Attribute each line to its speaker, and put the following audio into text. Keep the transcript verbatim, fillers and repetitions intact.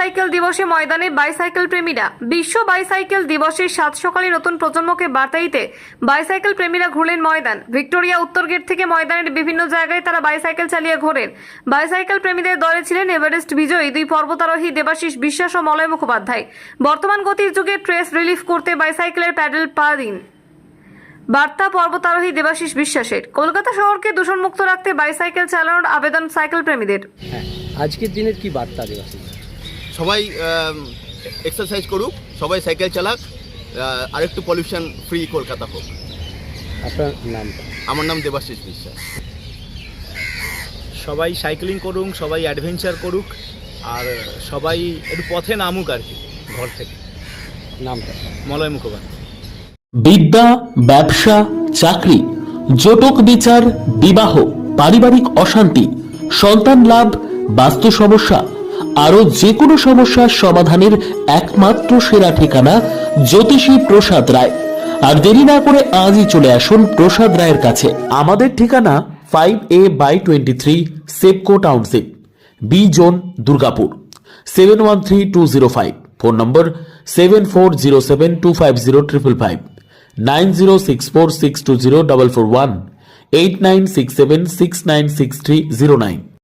Speaker 1: Bicycle দিবসে ময়দানে bicycle প্রেমীরা। বিশ্ব বাইসাইকেল দিবসের সাত সকালে নতুন প্রজন্মকে বার্তা দিতে বাইসাইকেল প্রেমীরা ঘুরলেন ময়দান। ভিক্টোরিয়া উত্তর গেট থেকে ময়দানের বিভিন্ন জায়গায় তারা বাইসাইকেল চালিয়ে ঘোরেন। বাইসাইকেল প্রেমীদের দলে ছিলেন এভারেস্ট বিজয়ী দুই পর্বতারোহী দেবাশিস বিশ্বাস ও মলয় মুখোপাধ্যায়। বর্তমান গতির যুগে স্ট্রেস রিলিফ করতে বাইসাইকেলের প্যাডেল পা দিন। বার্তা পর্বতারোহী দেবাশিস বিশ্বাসের। কলকাতা শহরকে দূষণমুক্ত রাখতে বাইসাইকেল চালানোর আবেদন সাইকেল প্রেমীদের।
Speaker 2: হ্যাঁ, আজকের দিনের কি বার্তা দেবাশিস?
Speaker 3: সবাই এক্সারসাইজ করুক, সবাই সাইকেল চালাক, আরেকটু পলিউশন ফ্রি কলকাতা হোক।
Speaker 2: আপনার নামটা?
Speaker 3: আমার নাম দেবাশিস বিশ্বাস।
Speaker 4: সবাই সাইক্লিং করুক, সবাই অ্যাডভেঞ্চার করুক, আর সবাই একটু পথে নামুক আর কি, ঘর থেকে।
Speaker 2: নামটা?
Speaker 4: মলয় মুখোপাধ্যায়।
Speaker 5: বিদ্যা, ব্যবসা, চাকরি, জটক বিচার, বিবাহ, পারিবারিক অশান্তি, সন্তান লাভ, বাস্তু সমস্যা, আরো যে কোনো সমস্যার সমাধানের একমাত্র সেরা ঠিকানা জ্যোতিষী প্রসাদ রায়। আর দেরি না করে আজই চলে আসুন প্রসাদ রায়ের কাছে। আমাদের ঠিকানা five A by twenty three Sepco township, B zone, Durgapur, seven one three two zero five. Phone number seven four zero seven two five zero triple five, nine zero six four six two zero double four one, eight nine six seven six nine six three zero nine.